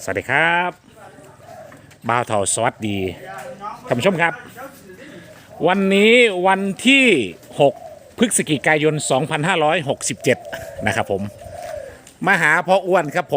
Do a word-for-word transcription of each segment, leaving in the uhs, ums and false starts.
สวัสดีครับบ่าวเถาสวัสดีท่านผู้ชมครับ วันนี้วันที่หกพฤศจิกายนสองพันห้าร้อยหกสิบเจ็ดนะครับผมมาหาพ่ออ้วนครับผม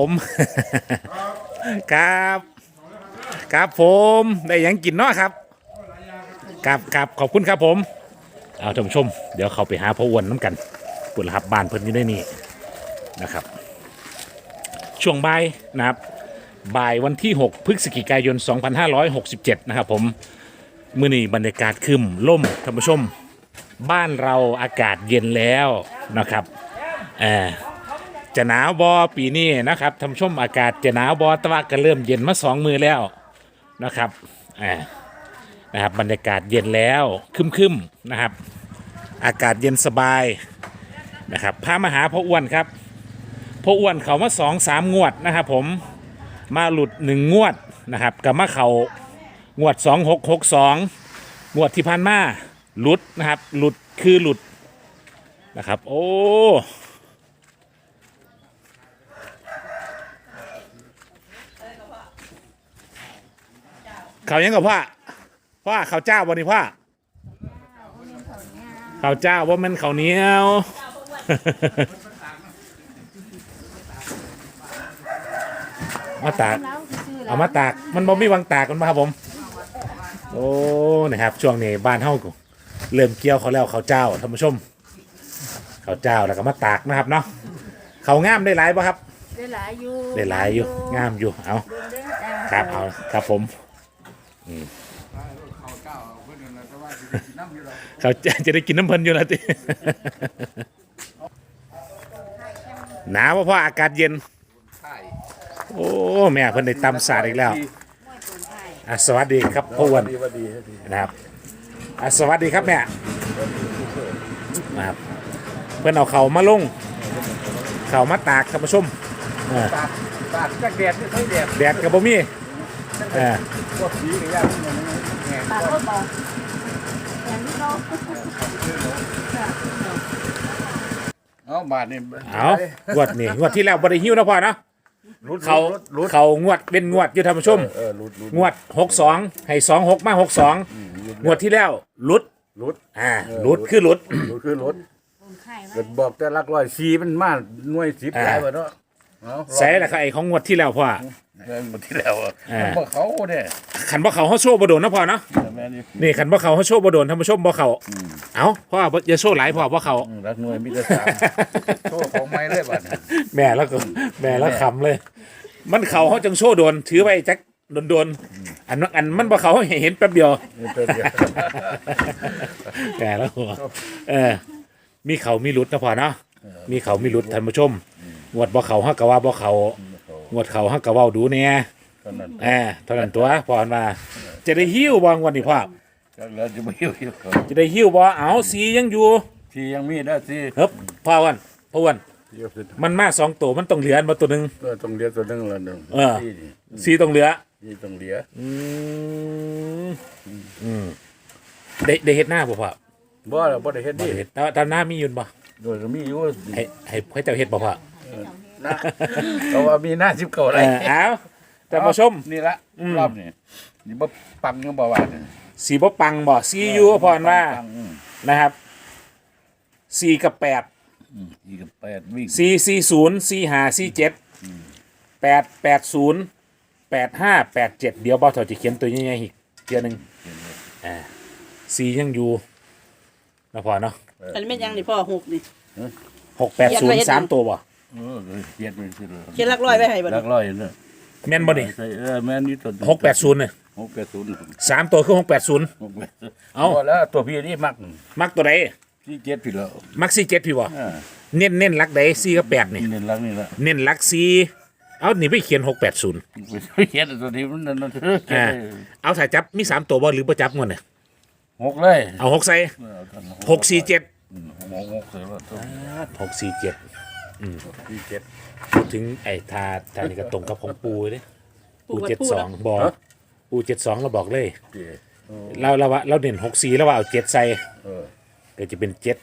ครับครับผมได้หยังกินเนาะครับครับครับขอบคุณครับผมเอาท่านผู้ชมเดี๋ยวเขาไปหาพ่ออ้วนน้ำกันปุ่นละครับบ้านเพิ่นอยู่ในนี่นะครับช่วงบ่ายนะครับบ่ายวันที่หกพฤศจิกายนสองพันห้าร้อยหกสิบเจ็ดนะครับผมมื้อนี้บรรยากาศครึมล่มท่านผู้ชมบ้านเราอากาศเย็นแล้วนะครับเออจะหนาวบอปีนี้นะครับท่านผู้ชมอากาศจะหนาวบอแต่ว่าก็เริ่มเย็นมาสองมือแล้วนะครับเออนะครับบรรยากาศเย็นแล้วครึมๆนะครับอากาศเย็นสบายนะครับพามาหาพ่ออ้วนครับพ่ออ้วนเขามาสองสามงวดนะครับผมมาหลุดหนึ่งงวดนะครับกับมาเขางวดสองหกหกสองงวดที่ผ่านมาหลุดนะครับหลุดคือหลุดนะครับโอ้เขายังกับพ่อพ่อเขาเจ้าวันนี้พ่อเขาเจ้าว่ามันเขาเหนียวมาตากเอามาตากมันบ่มีวางตากกันมาครับผมโอ้นะครับช่วงนี้บ้านเฮาเริ่มเกี่ยวเขาแล้วเขาเจ้าท่านผู้ชมเขาเจ้าแล้วก็มาตากนะครับเนาะเขางามได้หลายป่ะครับได้หลายอยู่ได้หลายอยู่งามอยู่เอาครับเอาครับผมเขาจะได้กินน้ำเพลินอยู่แล้วติหนาวเพราะอากาศเย็นโอ้แม่เพิ่นได้ตำสาดอีกแล้วอ่ะสวัสดีครับพ่ออ้วนนะครับอ่ะสวัสดีครับแม่นะครับเพิ่นเอาเข่ามาลงเข่ามาตากท่านผู้ชมตากตากจากแดดไม่ค่อยแดดแดดกับบ่มีเออพวกสีกับยาที่มันแห้งตาก็บอกอย่างที่เขาเอาบาทนี่เอางวดนี่งวดที่แล้วบ่ได้หิ้วนะพ่อเนาะเขาเขางวดเป็นงวดอยู่ท่านผู้ชมงวดหกสองให้สองหกมาหกสองงวดที่แล้วลุดรุดอ่าลุดคือลุดรุดคือรุดเกิดบอกแต่ลักร้อยสีมันมาหน่วยสิบหลายบ่เนาะใส่ละครับไอ้ของงวดที่แล้วพ่อเงินหมดที่แล้วบ่เขาเนี่ยขันบ่เขาเฮาโชว์บ่โดนนะพ่อเนาะนี่ขันบ่เขาเฮาโชว์บ่โดนท่านผู้ชมบ่เขาเอ้าพ่ออย่าโชว์หลายพ่อบ่เขารักหน่วยมีแต่สามโชว์ของไม้เลยบัดแม่แล้วก็แม่แล้วขำเลยมันเขาเฮาจังโชว์โดนถือไว้จักโดนๆอันอันมันบ่เขาเห็นแป๊บเดียวแม่แล้วเออมีเขามีหลุดนะพ่อเนาะมีเขามีหลุดท่านผู้ชมงวดบ่เขาเฮาก็ว่าบ่เขางวดเขาเฮาก็เว้าดูแน่เออเท่านั้นตัวพ่อมาจะได้หิ้วบ่งวดนี้พ่อแล้วจะบ่หิ้วจะได้หิ้วบ่เอาสียังอยู่สียังมีได้สีเฮ้ยพ่อวันพ่อวันมันมาสองตัวมันต้องเหลือมาตัวนึงเออต้องเหลือตัวนึงละนึงเออสีต้องเหลือสีต้องเหลืออืมอืมได้ได้เฮ็ดหน้าบ่พ่อบ่ล่ะบ่ได้เฮ็ดดิเฮ็ดตอนหน้ามีอยู่บ่โดยมีอยู่ให้ให้ให้เจ้าเฮ็ดบ่พ่อนะเพราะว่ามีหน้าสิบเก้าอะไรเอ้าแต่มาชมนี่ละรอบนี้นี่บ่ปังยังบ่ว่าสีบ่ปังบ่สีอยู่พรว่านะครับสี่กับแปดสี่กับแปดวิ่งสี่สี่ศูนย์สี่ห้าสี่เจ็ดแปดแปดศูนย์แปดห้าแปดเจ็ดเดี๋ยวบ่าวเถาจะเขียนตัวใหญ่ๆอีกเทียนึงอ่าสี่ยังอยู่นะพ่อเนาะอันนี้แม่ยังนี่พ่อหกนี่หกแปดศูนย์สามตัวบ่เออเขียนไปสิเขียนลักร้อยไว้ให้บ่ลักร้อยเด้อแม่นบ่นี่เออแม่นนี่ตัวหกแปดศูนย์เนี่ยหกแปดศูนย์สามตัวคือหกแปดศูนย์เอาแล้วตัวพี่นี่มักมักตัวใดสี่เจ็ดพี่แล้วมักสี่เจ็ดพี่บ่เน้นเน้นลักใดสี่กับแปดนี่เน้นลักนี่ละเน้นลักสี่เอานี่ไปเขียนหกแปดศูนย์เขียนตัวนี้มันนั่นอ่าเอาถ่ายจับมีสามตัวบ่หรือบ่จับงวดเนี่ยหกเลยเอาหกใส่หกสี่เจ็ดหกใส่ว่าหกสี่เจ็ดอืมสี่เจ็ดพูดถึงไอ้ทาทานี่ก็ตรงกับของปูเลยปูเจ็ดสองบอกปูเจ็ดสองเราบอกเลยเราเราว่าเราเด่นหกสี่แล้วว่าเอาเจ็ดใส่ก็จะเป็นเจ็ด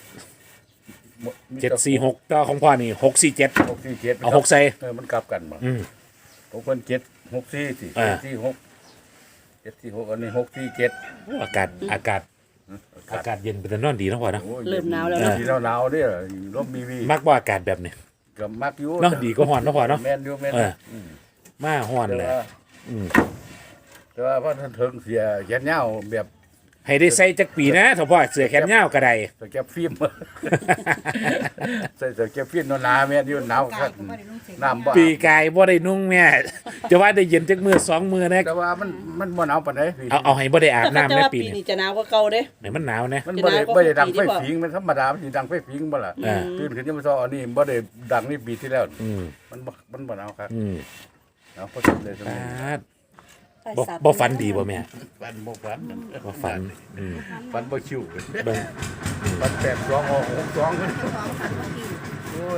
เจ็ดสี่หกก็ของพ่อนี่หกสี่เจ็ดหกสี่เจ็ดเอาหกใส่เออมันกลับกันมาหกพันเจ็ดหกสี่สี่อ่าเจ็ดสี่หกเจ็ดสี่หกอันนี้หกสี่เจ็ดอากาศอากาศอากาศเย็นเป็นตานอนดีเนาะพ่อเนาะโอ้ยเริ่มหนาวแล้วเย็เนาะที่หนาวๆเนี่ยร่มมีวีมักบ่อากาศแบบนี้กับมักอยู่เนาะดีก็ฮ้อนเนาะพ่อเนาะแม่นอยู่แม่นเออมมาฮ้อนแต่เลยว่าอืมแต่ว่าพอท่านถึงเสียแขนยาวแบบให้ได้ใส่จักปีนะถ้าพ่อเสื้อแขนยาวก็ได้สแกปฟิล์ม ใส่สแกปฟิล์มหนาๆแม่นอยู่หนาวคักน้ำบ่ปีกายบ่ได้นุ่งแม่ จะว่าได้เย็นจักมือสองมือนะแต่ว่ามันมันบ่หนาวปานใดพี่เอาเอาให้บ่ได้อาบแต่น้ำในว่าปีปีนี้นี้จะหนาวกว่าเก่าเด้ไหนมันหนาวนะมันบ่ได้จะหนาวกว่าบ่ได้ดังปีไฟที่บ่ผิงมันธรรมดามันสิดังไฟผิงบ่ล่ะอ่าตื่นขึ้นยามมื้อเช้าอันนี้บ่ได้ดังนี่ปีที่แล้วอืมมันบ่มันบ่หนาวครับอืมหนาวพอสุดเลยสปมัยาดบ่บ่ฝันดีบ่แม่ฟันบ่ฟันบ่ฝันอืมฟันบ่ชิวเบิ่งฟันแปดสองหกหกสองขึ้นโอ้ย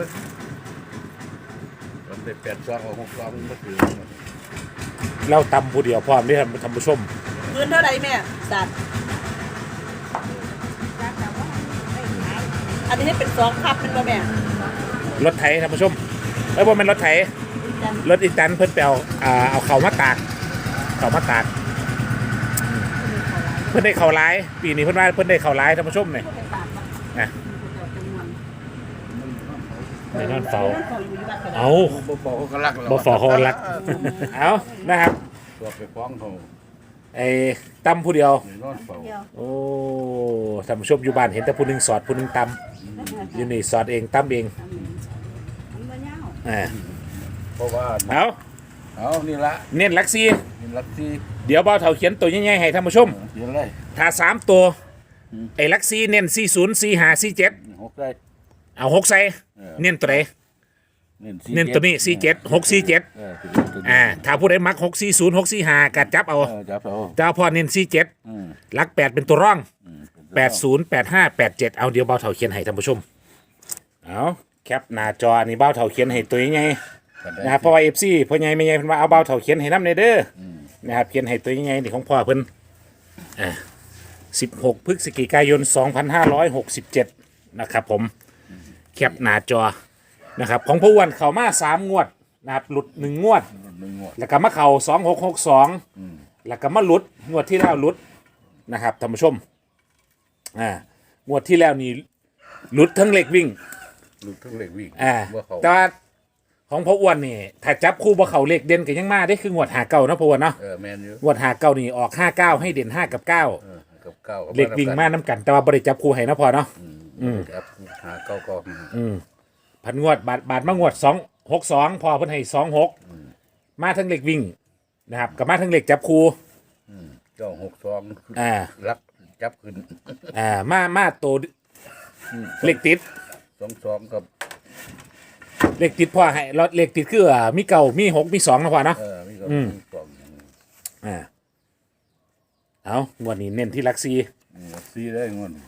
ฟันได้แปดสองหกสองบ่ถือเราตำผู้เดียวพร้อมเด้อท่านผู้ชมพื้นเท่าไหร่แม่สัตว์อันนี้ให้เป็นสองคับเป็นบ่แม่รถไถท่านผู้ชมเอ้ยบ่แม่นรถไถรถอีแตนเพิ่นไปเอาอ่าเอาเข้ามาตากเข้ามาตากเพิ่นได้เข้าหลายปีนี้เพิ่นว่าเพิ่นได้เข้าหลายท่านผู้ชมนี่นะในนอนเฝ้าเอาบ่บอกเขาก็รักเราบ่ฟอเขารัก เอานะครับตัวไปฟ้องเขาไอ้ตำผู้เดียวนี่นอนเฝ้าโอ้ท่านผู้ชมอยู่บ้านเห็นแต่ผู้หนึงสอดผู้หนึงตำอยู่นี่สอดเองตำเองอ่าเพราะว่าเอาเอานี่ละเน้นหลักซีนี่ลักที่เดี๋ยวเบาเถาเขียนตัวใหญ่ๆให้ท่านผู้ชมเขียนเลยถ้าสามตัวไอ้หลักซีเน้นสี่ศูนย์สี่ห้าสี่เจ็ดหกได้เอาหกใส่เน้นตัวไหนเน้นเน้นตัวนี้สี่เจ็ดหกสี่เจ็ดเออตัวนี้ตัวนี้อ่าถ้าผู้ใดมักหกสี่ศูนย์หกสี่ห้ากัดจับเอาเออจับเอาแต่ว่าพอเน้นสี่เจ็ดอืมหลักแปดเป็นตัวร่องอืมแปดศูนย์แปดห้าแปดเจ็ดเอาเดี๋ยวเบาเถาเขียนให้ท่านผู้ชมเอาแคปหน้าจออันนี้เบาเถาเขียนให้ตัวใหญ่ๆนะครับเพราะว่าเอฟซีพ่อใหญ่แม่ใหญ่เพิ่นว่าเอาเบาเถาเขียนให้น้ำในเด้ออนะครับเขียนให้ตัวใหญ่ๆนี่ของพ่อเพิ่นอ่าสิบหกพฤศจิกายนสองพันห้าร้อยหกสิบเจ็ดนะครับผมแคปหน้าจอนะครับของพ่ออ้วนเข้ามาสามงวดนะครับหลุดหนึ่งงวดหนึ่งงวดแล้วก็มาเข่าสองหกหกสองแล้วก็มาหลุดงวดที่แล้วหลุดนะครับท่านผู้ชมอ่างวดที่แล้วนี่หลุดทั้งเหล็กวิ่งลูกทั้งเล็กวิ่งอ่าว่าเขาแต่ว่าของพ่ออ้วนนี่ถ้าจับคู่บ่เขาเหล็กเด่นก็ยังมาได้คืองวดหาเก้านะพ่ออ้วนเนาะเออแมนอยู่งวดหาเก้านี่ออกห้าเก้าให้เด่นห้ากับเก้าเออกับเก้าเหล็กวิ่งมาน้ำกัน แต่ว่าบริจับคู่ให้นะพอเนาะอืมครับหาเก้าก็อืมพันงวดบาทบาทมางวดสองหกสองพอเพิ่นให้สองหกมาทั้งเหล็กวิ่งนะครับกับมาทั้งเหล็กจับคู่เก้าหกสองอ่ารักจับขึ้นอ่ามามาตัวเหล็กติดสองสองกับเหล็กติดพ่อให้รถเหล็กติดคืออ่ามีเก่ามีหกมีสองนะพ่อเนาะเออมีกับอืมมีสองอ่าเอางวดนี้เน้นที่หลักซีอืมซีได้เงิน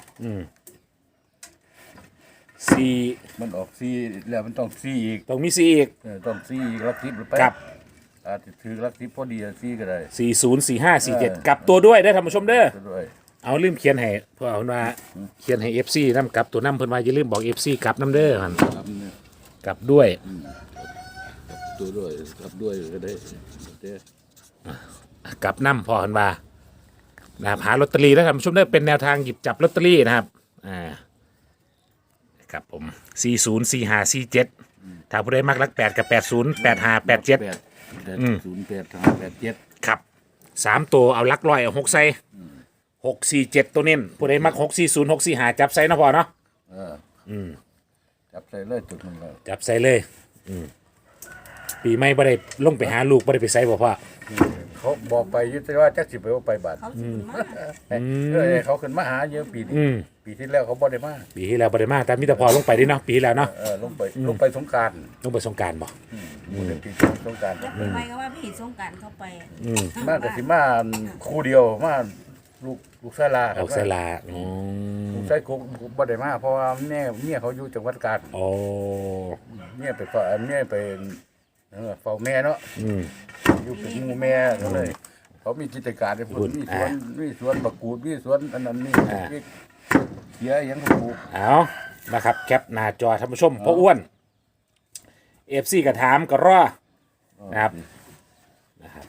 ซีมันออกซีแล้วมันต้องซีอีกต้องมีซีอีกเออต้องซีอีกรักทิพย์หรือไปกับอาจจะถือรักทิพย์พอดีอะซีก็ได้สี่ศูนย์สี่ห้าสี่เจ็ดเออกลับตัวด้วยได้อท่านผู้ชมเด้อก็ด้วยเอาลืมเขียนให้เพื่อเอาว่าเขียนให้เอฟซีนำกลับตัวน้ำเพิ่นว่าอย่าลืมบอกเอฟซีกลับน้ำเด้อหันครับเนี่ยกลับด้วยตัวด้วยครับด้วยก็ได้เด้กลับน้ำพอหันว่านะครับหาลอตเตอรี่แล้วท่านผู้ชมเด้อเป็นแนวทางหยิบจับลอตเตอรี่นะครับอ่าครับผมสี่ศูนย์สี่ห้าสี่เจ็ดถ้าผู้ใดมักรักแปดกับแปดศูนย์แปดห้าแปดเจ็ดแปดอืมศูนย์แปดห้าแปดเจ็ดครับสามตัวเอาลักลอยเอาหกใส่หกสี่เจ็ดตัวเน้นผู้ใดมักหกสี่ศูนย์หกสี่หาจับใส่เนาะพอเนาะเอออืมจับใส่เลยจุดมันเลยจับใส่เลยอืมปีใหม่บ่ได้ลงไปหาลูกบ่ได้ไปใส่บ่พ่อเขาบอกไปอยุติว่าจักสิไปว่าไปบาทเขาซื้อมาเออเขาขึ้นมาหาเยอะปีนี้อืมปีที่แล้วเขาบ่ได้มาปีที่แล้วบ่ได้มาแต่มีแต่พอลงไปเดิเนาะปีที่แล้วเนาะเออลงไปลงไปสงกรารลงไปสงกรารบ่มูลปีสงกรารจะเป็นไปก็ว่าพี่สงกรารเข้าไปอืมมากกับสิมาคู่เดียวมาลูกลูกชายลาเอาใส่ลาอ๋อลูกชายกุ๊กบ่ได้มาเพราะว่าแม่เมียเขาอยู่จังหวัดกาญโอ้เมียไปเฝ้าเมียไปเออเฝ้าแม่เนาะอืมอยู่เป็นหมู่แม่ก็เลย เขามีกิจการในพุ่นมีสวนมีสวนบักกูดมีสวนอันนั้นนี่มีเขียหยังก็ปลูกเอานะครับแคปหน้าจอท่านผู้ชมพ่ออ้วน เอฟซีก็ถามก็รอนะครับ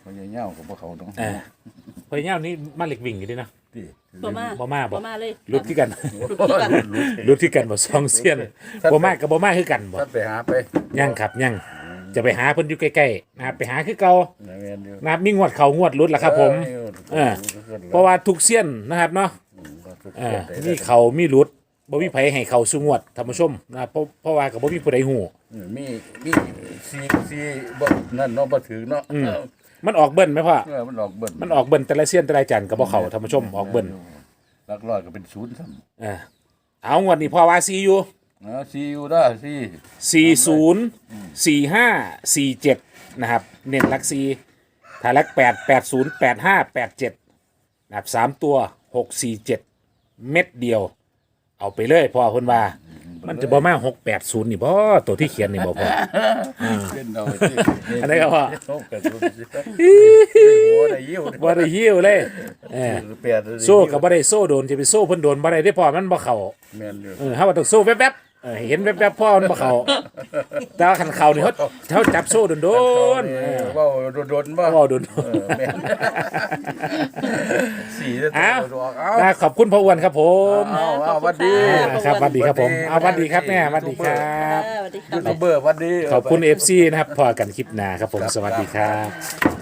เขาใหญ่เงี้ยวกับพวกเขาเนาะเออพยายามนี่มาเหล็กวิ่งอยู่ด้วยนะที่บ่มาบ่มาบ่บ่มาเลยรุดที่กันรุดที่กันรุดที่กันบ่ซองเซียนบ่มากับบ่มาคือกันบ่ท่านไปหาไปยังครับยังจะไปหาเพิ่นอยู่ใกล้ๆนะครับไปหาคือเก่าในเวียนอยู่นะครับมีงวดเขางวดรุดล่ะครับผม เออ เพราะว่าทุกเซียนนะครับเนาะเออมีเขามีรุดบ่มีไผให้เขาสุงวดท่านผู้ชมนะครับเพราะเพราะว่าก็บ่มีผู้ใดฮู้มีมีซีซีบ่นั่นเนาะบ่ถึงเนาะมันออกเบิ้ลไหมพ่อเออมันออกเบิ้ลมันออกเบิ้ลแต่ละเซียนแต่ละจันก็บ่เข้าท่านผู้ชมออกเบิ้ลหลักร้อยก็เป็นศูนย์ซ้เออเอางวดนี้พ่อว่าซีอยู่ำนะซีอยู่ได้ซีสี่ศูนย์สี่ห้าสี่เจ็ดนะครับเน้นหลักสี่ถ้าหลักแปดแปดศูนย์แปดห้าแปดเจ็ดนะครับสามตัวหกสี่เจ็ดเม็ดเดียว เอาไปเลยพ่อคนว่า มันจะบ่มาหกแปดศูนย์นี่บ่ตัวที่เขียนนี่บ่พ่อเป็นเอาสิอันไหนก็พ่อหกแปดศูนย์สิหัวได้ยิ้วบ่ได้หิ้วเลยเออแปดโซ่กับบ่ได้โซ่โดนจะไปโซ่เพิ่นโดนบ่ได้ได้พ่อมันบ่เข้าแม่นอยู่เออเฮาว่าต้องโซ่แวบๆเออเห็นแวบๆพ่อมันบ่เข้าแต่ว่าคันเข้านี่เขาเขาจับโซ่โดนๆเออว่าโดนๆบ่เว้าโดนเออแม่นสี่จะอ้าวตัวเอานะขอบคุณพ่ออ้วนครับผมเอาเอาหวัดดีครับสวัสดีครับผมเอาสวัสดีครับแม่สวัสดีครับเออสวัสดีครัยูบทูบเบอร์หวัดดีขอบคุณ เอฟ ซี นะครับพอกันคลิปหน้าครับผมสวัสดีครับ